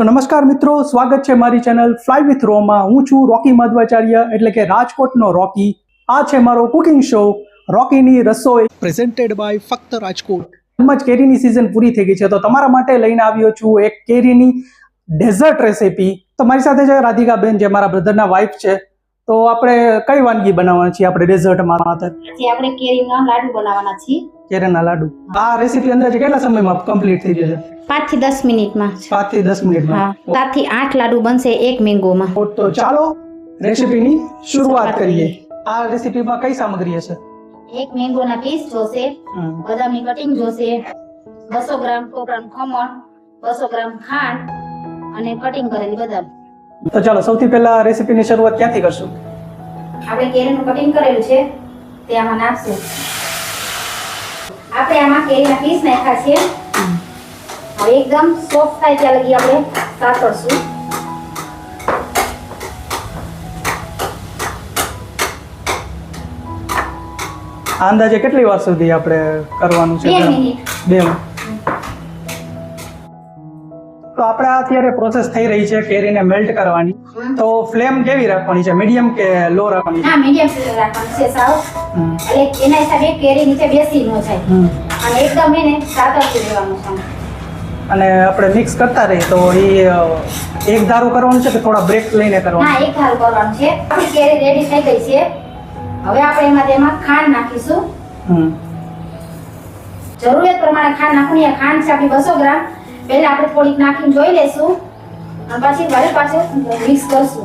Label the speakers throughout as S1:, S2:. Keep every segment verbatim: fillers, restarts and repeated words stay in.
S1: તો નમસ્કાર મિત્રો, સ્વાગત છે મારી ચેનલ ફ્લાય વિથ રોમાં. હું છું રોકી મધ્વાચાર્ય, એટલે કે રાજકોટનો રોકી. આ છે મારો કુકિંગ શો રોકીની રસોઈ, પ્રેઝન્ટેડ બાય ફક્ત રાજકોટ. એમ જ કેરીની સિઝન પૂરી થઈ ગઈ છે, તો તમારા માટે લઈને આવ્યો છું એક કેરીની ડેઝર્ટ રેસીપી. તો મારી સાથે છે રાધિકા બેન, જે મારા બ્રધરના વાઇફ છે. તો આપણે કઈ વાનગી બનાવવાના છીએ આપણે ડેઝર્ટમાં?
S2: આજે આપણે કેરીના લાડુ બનાવવાના છીએ.
S1: કેરીના લાડુ. આ રેસીપી અંદાજે કેટલા સમયમાં કમ્પ્લીટ થઈ જશે?
S2: પાંચ થી દસ મિનિટમાં.
S1: પાંચ થી દસ મિનિટમાં.
S2: સાત થી આઠ લાડુ બનશે એક મેંગોમાં.
S1: તો ચાલો રેસીપીની શરૂઆત કરીએ. આ રેસીપીમાં કઈ સામગ્રી હશે?
S2: એક મેંગોના પીસ જોશે, બદામની કટિંગ જોશે, બસો ગ્રામ ટોપરાનું ખમણ, બસો ગ્રામ ખાંડ અને કટિંગ કરેલી બદામ.
S1: તો ચાલો સૌથી પહેલા રેસીપીની શરૂઆત ક્યાંથી કરશું?
S2: આપણે કેરીનું કટિંગ કરેલું છે તે આમાં નાખશું. આપણે આમાં કેરીના પીસ નાખ્યા છે. હવે એકદમ સોફ્ટ થાય ત્યાં લગી આપણે સાતળશું.
S1: અંદાજે કેટલી વાર સુધી આપણે કરવાનું છે?
S2: બે મિનિટ.
S1: બે મિનિટ. તો આપણે અત્યારે પ્રોસેસ થઈ રહી છે કેરીને મેલ્ટ કરવાની. તો ફ્લેમ કેવી રાખવાની છે? મીડિયમ કે લો રાખવાની?
S2: હા, મીડિયમ ફ્લેમ રાખવાની છે સાવ. એટલે એના હિસાબે કેરી નીચે બેસી ન જાય અને એકદમ એને સાતળતું રહેવાનું છે.
S1: અને આપણે મિક્સ કરતા રહીએ તો એ એક ધારું કરવાનું છે કે થોડા બ્રેક લઈને કરવાનું?
S2: હા, એક ધારું કરવાનું છે. આપણી કેરી રેડી થઈ ગઈ છે. હવે આપણે એમાં તેમાં ખાંડ નાખીશું.
S1: હમ
S2: જરૂરિયાત પ્રમાણે ખાંડ નાખવાની. આ ખાંડ છે આપણી બસો ગ્રામ. પહેલા આપણે થોડીક નાખીને જોઈ લેશું અને પછી વળી પાછું મિક્સ કરશું.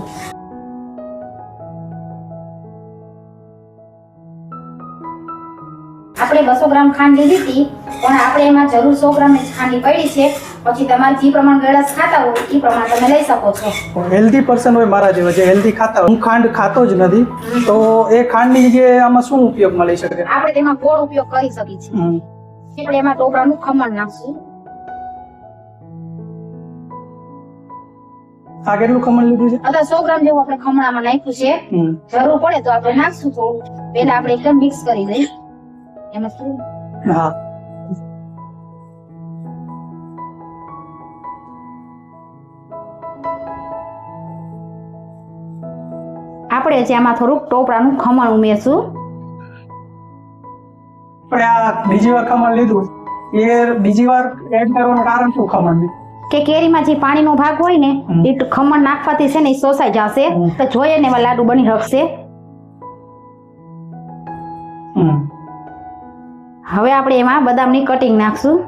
S2: આપણે બસો ગ્રામ ખાંડ લીધી હતી, પણ આપણે એમાં જરૂર સો ગ્રામ જ ખાંડ પડી છે. પછી તમારે જે પ્રમાણે ગળાશ ખાતા હોય એ પ્રમાણે તમે લઈ શકો છો.
S1: હેલ્ધી પર્સન હોય મારા જેવા, જે હેલ્ધી ખાતા હોય, હું ખાંડ ખાતો જ નથી, તો એ ખાંડની જગ્યાએ આમાં શું ઉપયોગમાં લઈ શકે?
S2: આપણે તેમાં ગોળ ઉપયોગ કરી શકીએ છીએ. આપણે એમાં ટોપરાનું ખમણ નાખશું.
S1: આ કેટલું ખમણ લીધું છે?
S2: અથવા સો ગ્રામ જેવું આપણે ખમણામાં નાખ્યું છે. જરૂર પડે તો આપણે નાખશું થોડું. પહેલા આપણે એકદમ મિક્સ કરી દઈએ. એમાં શું?
S1: હા,
S2: આપણે હજી આમાં થોડુંક ટોપરાનું ખમણ ઉમેરશું.
S1: પણ આ બીજી વાર ખમણ લીધું, એ બીજી વાર એડ કરવાનું કારણ શું? ખમણ
S2: કે કેરીમાં જે પાણીનો ભાગ હોય ને એ ખમણ નાખવાથી છે ને એ શોષાઈ જશે, તો જોઈએ ને એવા લાડુ બની શકશે. હવે આપણે એમાં બદામની કટિંગ નાખશું.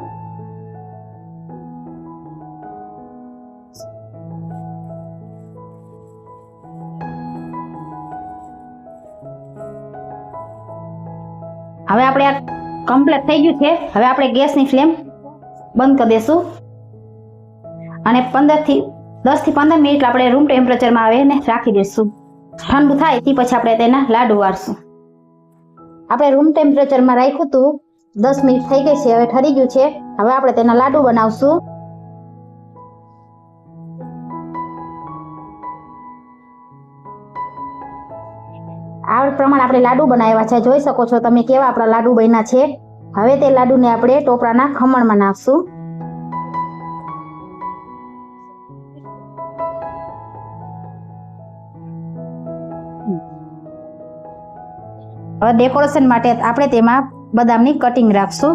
S2: હવે આપણે આ કમ્પ્લીટ થઈ ગયું છે. હવે આપણે ગેસની ફ્લેમ બંધ કરી દેશું અને પંદર થી દસ થી પંદર મિનિટ આપણે રૂમ ટેમ્પરેચરમાં આવે ને રાખી દઈશું. ઠંડુ થાય તે પછી આપણે તેના લાડુ વાળશું. આપણે રૂમ ટેમ્પરેચરમાં રાખ્યું હતું, દસ મિનિટ થઈ ગઈ છે. હવે ઠરી ગયું છે. હવે આપણે તેના લાડુ બનાવશું. આ પ્રમાણે આપણે લાડુ બનાવ્યા છે. જોઈ શકો છો તમે કેવા આપણા લાડુ બન્યા છે. હવે તે લાડુને આપણે ટોપરાના ખમણમાં નાખશું. હવે ડેકોરેશન માટે આપણે તેમાં બદામની કટિંગ રાખશું.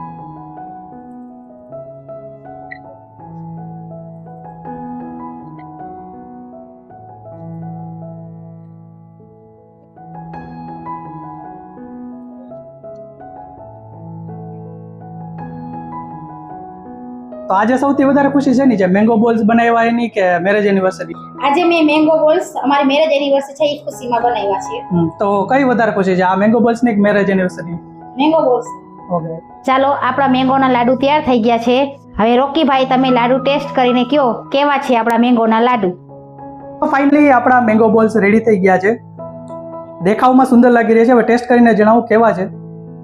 S1: તો આજે સૌથી વધારે ખુશી છે ની જે મેંગો બોલ્સ બનાવ્યા એની કે મેરેજ એનિવર્સરી?
S2: આજે મેં મેંગો બોલ્સ અમારી મેરેજ એનિવર્સરી છે એ ખુશીમાં બનાવ્યા છે.
S1: તો કઈ વધારે ખુશી છે, આ મેંગો બોલ્સ ની કે marriage anniversary?
S2: Mango balls.
S1: Okay,
S2: ચાલો આપણા મેંગોના લાડુ તૈયાર થઈ ગયા છે. હવે રોકીભાઈ તમે લાડુ ટેસ્ટ કરીને કયો કેવા છે આપણા મેંગોના લાડુ.
S1: ફાઇનલી આપણા મેંગો બોલ્સ રેડી થઈ ગયા છે. દેખાવમાં સુંદર લાગી રહ્યા છે. હવે ટેસ્ટ કરીને જણાવું કેવા છે.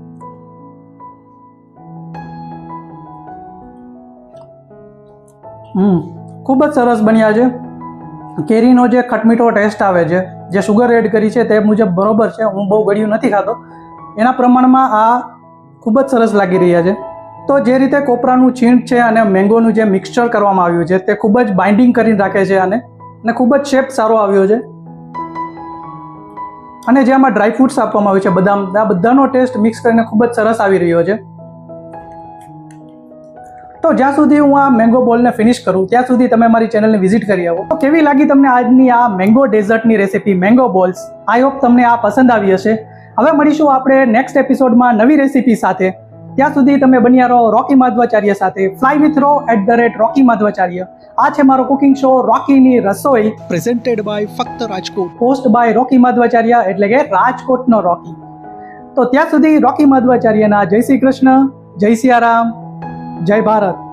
S1: હમ ખૂબ જ સરસ બન્યા છે. કેરીનો જે ખટમીઠો ટેસ્ટ આવે છે, જે સુગર એડ કરી છે તે મુજબ બરોબર છે. હું બહુ ગળ્યું નથી ખાતો, એના પ્રમાણમાં આ ખૂબ જ સરસ લાગી રહ્યા છે. તો જે રીતે કોપરાનું છીણ છે અને મેંગોનું જે મિક્સચર કરવામાં આવ્યું છે તે ખૂબ જ બાઇન્ડિંગ કરીને રાખે છે આને અને ખૂબ જ શેપ સારો આવ્યો છે. અને જે આમાં ડ્રાયફ્રૂટ્સ આપવામાં આવ્યું છે બદામ, આ બધાનો ટેસ્ટ મિક્સ કરીને ખૂબ જ સરસ આવી રહ્યો છે. તો જ્યાં સુધી હું આ મેંગો બોલને ફિનિશ કરું ત્યાં સુધી તમે મારી ચેનલને વિઝિટ કરી આવો. તો કેવી લાગી તમને આજની આ મેંગો ડેઝર્ટની recipe mango balls? I hope તમને આ પસંદ આવી હશે. હવે મળીશું આપણે નેક્સ્ટ એપિસોડમાં નવી રેસીપી સાથે. ત્યાં સુધી તમે બન્યા રહો રોકી માધવાચાર્ય સાથે. Fly with ro at the rate Rocky Madhavacharya. આ છે મારો કુકિંગ શો રોકીની રસોઈ, પ્રેઝન્ટેડ બાય ફક્ત Rajkot, host by Rocky Madhavacharya એટલે કે રાજકોટનો રોકી. તો ત્યાં સુધી રોકી માધવાચાર્યના જય શ્રી કૃષ્ણ, જય સિયારામ, જય ભારત.